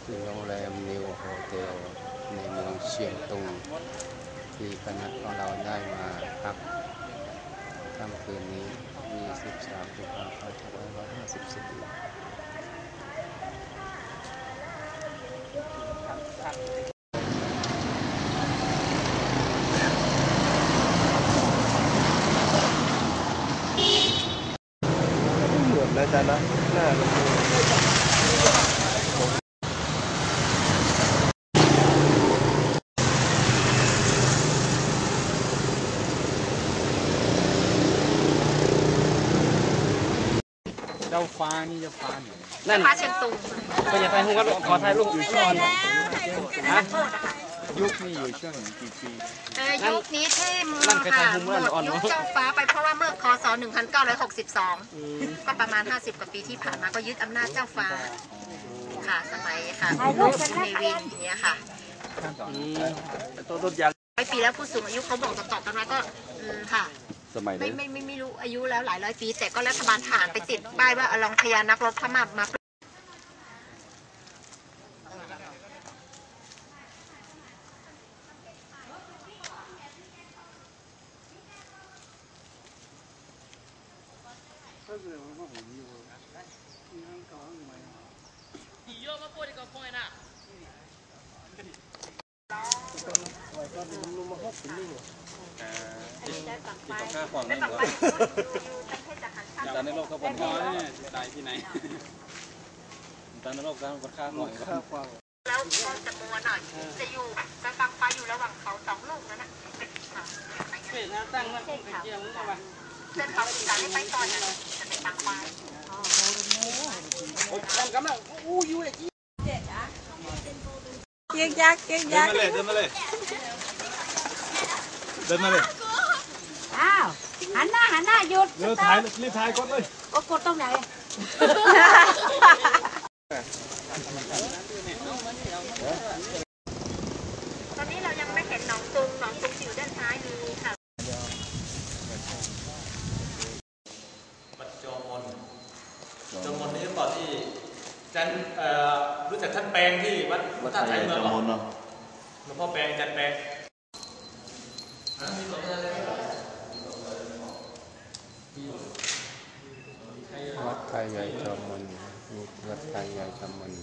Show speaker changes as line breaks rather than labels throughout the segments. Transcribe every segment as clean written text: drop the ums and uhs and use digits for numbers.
โรงแรมนิวโฮเทลในเมืองเชียงตุงที่คณะของเราได้มาพักค่ำคืนนี้23 กุมภาพันธ์2554แล้วจ้ะนะหน้ามันเจ้าฟ้านี่เจ้าฟ้าไหนนั่น
ฟ้าเชียงตุง
ก็อย่าไปหูว่าขอถ่ายรูปอยู่ช่วงฮะยุคนี้อยู่ช่วงกี่ปี
ยุคนี้ที่หมดยุคเจ้าฟ้าไปเพราะว่าเมื่อคศ1962ก็ประมาณ50 กว่าปีที่ผ่านมาก็ยึดอำนาจเจ้าฟ้าค่ะสมัยค่ะลูกในวินอย่างเงี้ยค่ะ
ต้นยาง
ปีแล้วผู้สูงอายุเขาบอกต่อกันมาก็ค่ะ
สมัย
ไม่รู้อายุแล้วหลายร้อยปีแต่ก็รัฐบาลทหารไปติดป้ายว่าอลองพญานักรบพม่ามา
ข้าขวางนี่เหรอจานในโลกเขาบอกว่าตายที่ไหนจานในโลกเขาบอกข้าขวาง
แล้วจะมัวหน่อยจะอยู่กลางไฟอยู่ระหว่างเขา2 ลูกนั่นแหละ
เป็นน้ำตั้งแล้วเป็นเกี่ยวมั้งวะ
เส้นเขาจะได้ไปก่อนนะจะเป็นกลางไฟ
โอ้ยกำลังอู้ยูเลย
เก๊กยักษ์เดินมาเลยอ้าวหันหน้าหยุด
เร็วถ่ายรีบถ่ายกดเลย
กดตรงไหน
ตอนนี้เรายังไม่เห็นหนองตุงอยู่ด้านซ้ายมือค่ะ
วัดจอมนนี่ก่อนที่จันรู้จักท่านแปลงที่วัดท่าไทยเมืองหรอหลวงพ่อแปลงจันแปลง
วัดไทยใหญ่จอมมนวัดไทยใหญ่จอมมน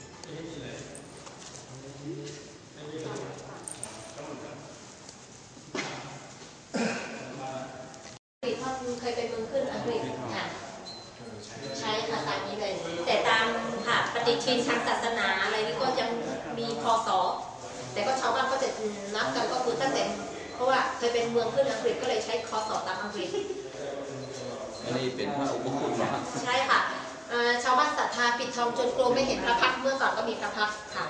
เคยไปเมืองขึ้นอังกฤษค่ะใช้ค่ะตามนี้เลยแต่ตามค่ะปฏิทินทางศาสนาอะไรนี่ก็ยังมีพศแต่ก็ชาวบ้านก็จะนับกันก็คือตั้งแต่เพราะว่าเคยเป็นเมืองขึ้นอังกฤษก็เลยใช้คศตามอังกฤษ
อันนี้เป็นพระอุปคุฎเหรอ
ใช่ค่ะชาวบ้านศรัทธาปิดทองจนกลัวไม่เห็นพระพักเมื่อก่อนก็มีพระพักค่ะ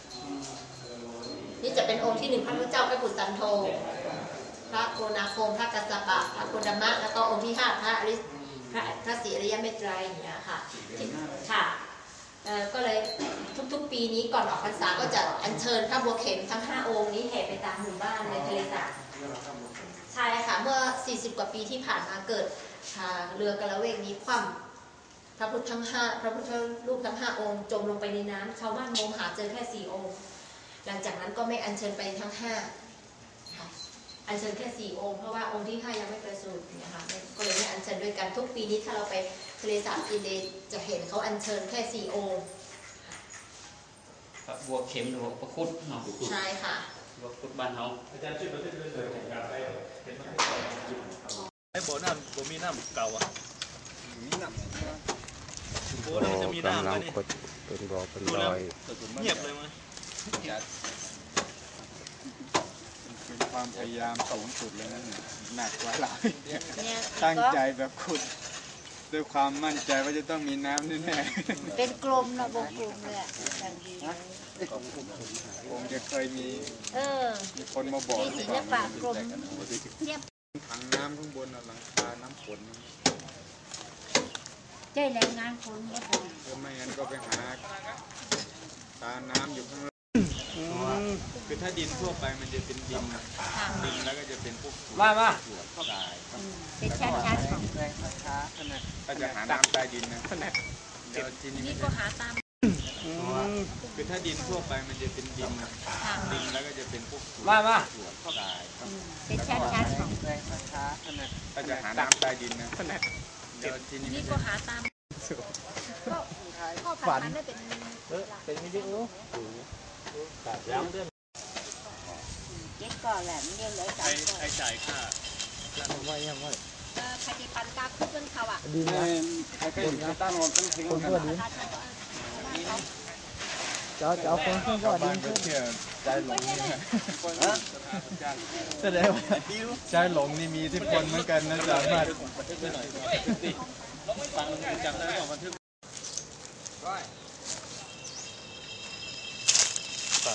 นี่จะเป็นองค์ที่1พระพุทธเจ้าพระกุสันโธพระโกนาคมพระกัสสปะพระโคดมะแล้วก็องค์ที่5พระศรีอริยเมตไตรอย่างเงี้ยค่ะค่ะก็เลยทุกๆปีนี้ก่อนออกพรรษาก็จะอัญเชิญพระบัวเข็มทั้ง5 องค์นี้แห่ไปตามหมู่บ้านในทะเลสาบใช่ค่ะเมื่อ40 กว่าปีที่ผ่านมาเกิดเรือกระเวกนี้คว่ำพระพุทธรูปทั้ง5 องค์จมลงไปในน้ำชาวบ้านงมหาเจอแค่4 องค์หลังจากนั้นก็ไม่อัญเชิญไปทั้ง5อัญเชิญแค่4 องค์เพราะว่าองค์ที่5ยังไม่ประสูตินะคะก็เลยไม่อัญเชิญด้วยกันทุกปีนี้ถ้าเราไปทะเลสาบอินเดียจะเห็นเขาอัญเชิญแค่4 องค์
พระบัวเข็มหรือพระคุดเนาะ
ใช่ค่ะ
พระคุดบ้านเขา
อาจารย์ช่วยประเทศเลยไอ้โบน้ำโบมีน้ำเก่าอ่ะมีน้ำโบนี่จะมีน้ำไหมนี่
เป็นบ่อเป็นรอย
เงียบเลยมั้ย
เป็นความพยายามสูงสุดเลยนั่นหนักกว่าเราตั้งใจแบบคุณด้วยความมั่นใจว่าจะต้องมีน้ำแน่
ๆเป็นกลมนะวงกลมเลย
คงจะเคยมีคนมาบอก
ศิลปะกลม
ถังน้ำข้างบนหลังคาน้ำฝน
ใช่แรงงานคนก็พอ
ไม่งั้นก็ไปหาตาน้ำอยู่ข้างล่างคือถ้าดินทั่วไปมันจะเป็นดินแล้วก็จะเป็นพวก
มา
เป็นชั้นๆของ
แรงช้าขนาดก็จะหาน้ำใต้ดินนะ
นี่ก็หาตาม
คือถ้าดินทั่วไปมันจะเป็นดินแล้วก็จะเป็นพวกส่วนทราย
เป็นชั้นๆของ
ก็จะหาน้ำใต้ดินนะเดี๋ยวทีนี้
นี่ก็หาตามก็ฝันได้เป็น
เก็บก่อนแหละไม่เรียนเลยสามคน
ใครจ่ายค่า
ใครจะปันกาคุกเรื่องเขาอ่ะ
ดีนะใครจะตั้งนอนตั้งทิ้งกัน
จะเอาคนขึ้นก็ดี
ก็เชื่อใจหลงนี่แสดงว่าใจหลงนี่มีอิทธิพลเหมือนกันนะสามารถฟังจำได้ว่าบันทึกไป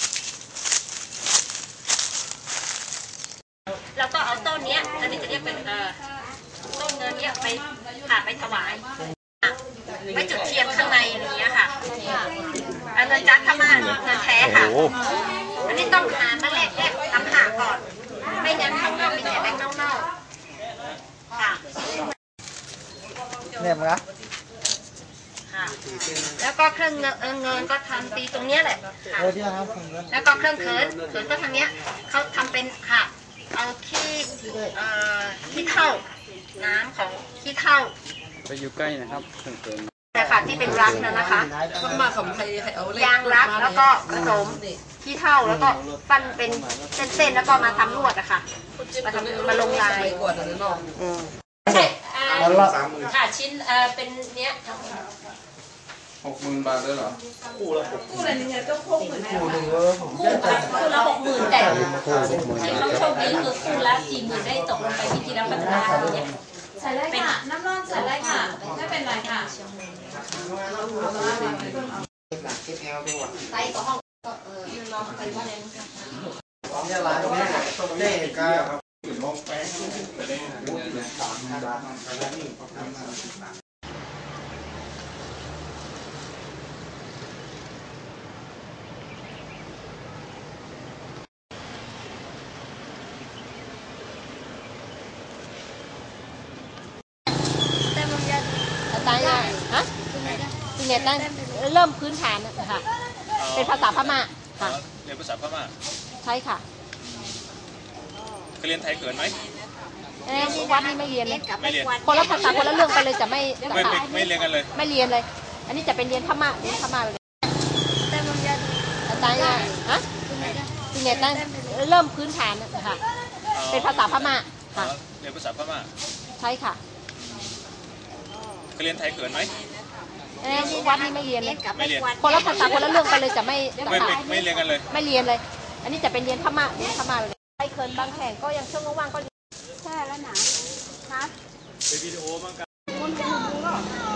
แล้วก็เอาต้นเนี้ยอันนี้จะเรียกเป็นต้นเงินเนี้ยไปไปถวายไปจุดเทียนข้างในอย่างเงี้ยค่ะอันเงินจักรพม่าเงินแท้ค่ะอันนี้ต้องหามาแลกทำหาก่อนไม่งั้นข้างนอกมีแต่แบงค์เน่าๆค่ะ
เนี่ยมั้ง
ค่ะแล้วก็เครื่องเงินก็ทำตีตรงเนี้ยแหละค่ะแล้วก็เครื่องเขินก็ทางเนี้ยเขาทำเป็นค่ะเอาขี้เถ้าน้ำของขี้เถ้า
ไปอยู่ใกล้นะครับเกิน
แต่ค่ะที่เป็นรักนะคะยางรักแล้วก็ผสมขี้เถ้าแล้วก็ปั้นเป็นเส้นๆแล้วก็มาทำลวดอะค่ะมาลงลายใช่ค่ะชิ้นเป็นเนี้ย
60,000 บาทเลยเหรอ
คู่ละ60,000แต่ที่เขาโชคดีคือคู่ละ40,000ได้ตกลงไปที่ที่แล้วพัฒนาเนี่ย
ใส่เลยค่ะน้ำร้อนใส่เลยค่ะไม่เป็นไรค่ะ
ไซส์ก็ห้องก็นอนไปว่าอะไรมั้งคะ
เนี่ยร้านนี้เด็กก็
ตายเลยฮะจริงเนี่ยตั้งเริ่มพื้นฐานค่ะเป็นภาษาพม่าค่ะ
เรียนภาษาพม่า
ใช่ค่ะ
เคยเรียนไทยเขินไหม
วัดนี่ไม่เรียนเลย
ไม่เรียน
คนละภาษาคนละเรื่องไปเลยจะไม่
ไม่เรียนกันเลย
ไม่เรียนเลย อันนี้จะเป็นเรียนพม่าเลยตายเลยฮะจริงเนี่ยตั้งเริ่มพื้นฐานค่ะเป็นภาษาพม่าค่ะ
เรียนภาษาพม่า
ใช่ค่ะ
เคยเรียนไทยเขินไหม
วัดนี่ไม่เรียนเลย
ไม่เรียน
คนละภาษาคนละเรื่องไปเลยจะไม่
ไม่เรียนกันเลย
ไม่เรียนเลย อันนี้จะเป็นเรียนพม่าเลยไปเคินบางแห่งก็ยังช่วงว่างๆก็
แช่แล้วหนาคะ
เป็นวิดีโอมั้งกัน
คนจะดูก็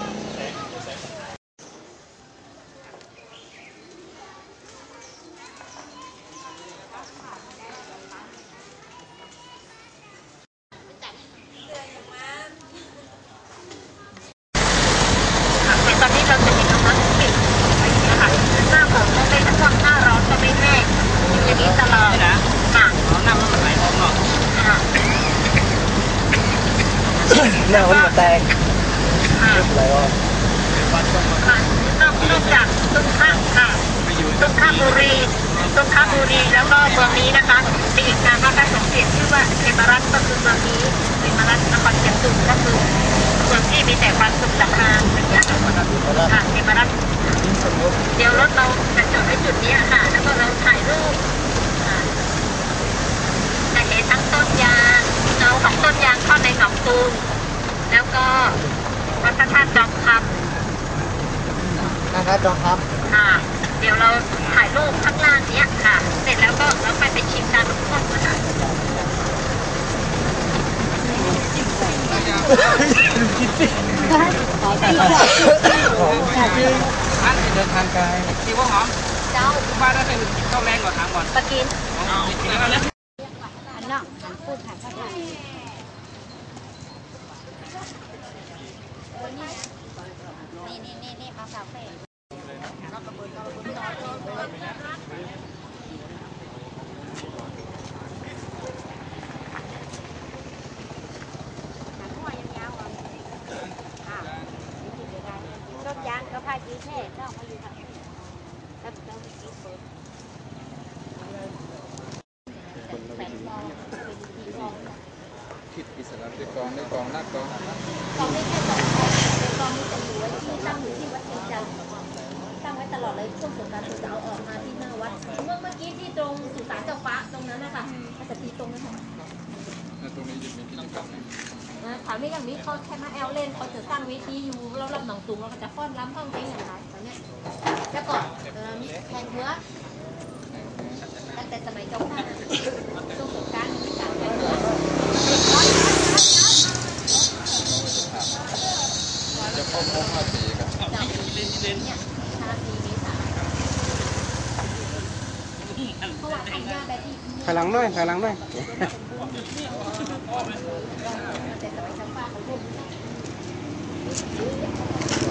ตอนนี้เราจะมีกำลังปิดนะคะหน้าฝนก็ไม่ท่วมหน้าร้อนก็ไม่แห้งอยู่อย่างนี้ตลอดค่ะ
น้ำมันไหลออกเนาะ
ค่ะ
เนี่ยมันมาแตก
ค่ะ
อะไรวะ
นอกจากตุ้งข้างค่ะตุ้งข้างบุรีแล้วก็เมืองนี้นะคะมีอีกนามว่าการสมเด็จชื่อว่าเทมรัตน์ก็คือเมืองนี้เทมรัตน์นครเชียงตุงก็คือเมืองที่มีแต่ความสุขสำราญอย่างเงี้ยค่ะเทมรัตน์เดี๋ยวรถเราจะจอดไว้จุดนี้ค่ะแล้วก็เราถ่ายรูปจะเห็นทั้งต้นยางเงาของต้นยางเข้าในหนองตูมแล้วก็วัดพระธาตุจอมคำ
นะครับจองครับ
ค่ะเดี๋ยวเราถ่ายรูปข้างล่างเนี้ยค่ะ เสร็จแล้วก็เราไปชิมตามทุกคนนะคะ
เดินทางไกล
ที่ว่าหอม
เจ้า
บ้านได้เป็นข้าวแรงกว่าทางก่อน
ปะกิน
เอากินแล้วนะ
หันน่องหันพูดหันภาษานี่ปลาสาวเฟ่ ต้นยางก็พาจีแช่ต้องมาอยู่ทาง
คิดอิสระได้กองได้กองนักกอง
กองได้แค่2 กองนี้จะอยู่ไว้ที่ตั้งอยู่ที่วัดเชียงจันทร์ตั้งไว้ตลอดเลยช่วงสงกรานต์จะเอาออกมาที่หน้าวัดเมื่อกี้ที่ตรงสุสานเจ้าฟ้าตรงนั้นนะคะก็จะตีตรงนั้นค่ะ
ตรงนี้จะมีกิจกรรม
ถามนี้อย่างนี้เขาแค่มาแอลเล่นเขาจะตั้งเวทีอยู่เราลำหนองสูงเราก็จะฟ้อนรำท่องเพลงอย่างไรตอนนี้แล้วก็แข่งเมื่อตั้งแต่สมัยเจ้าฟ้าช่วงสงกรานต์มีการแข่งเมื่อ
จะเข้าครบ5 ปีครับ
จากเนี่ย5 ปีเมษาเพราะว่าทำยาแบบที่
ถอยหลังหน่อยถอยหลังหน่อย
แต่สมัยเจ้าฟ้าเขาเล่น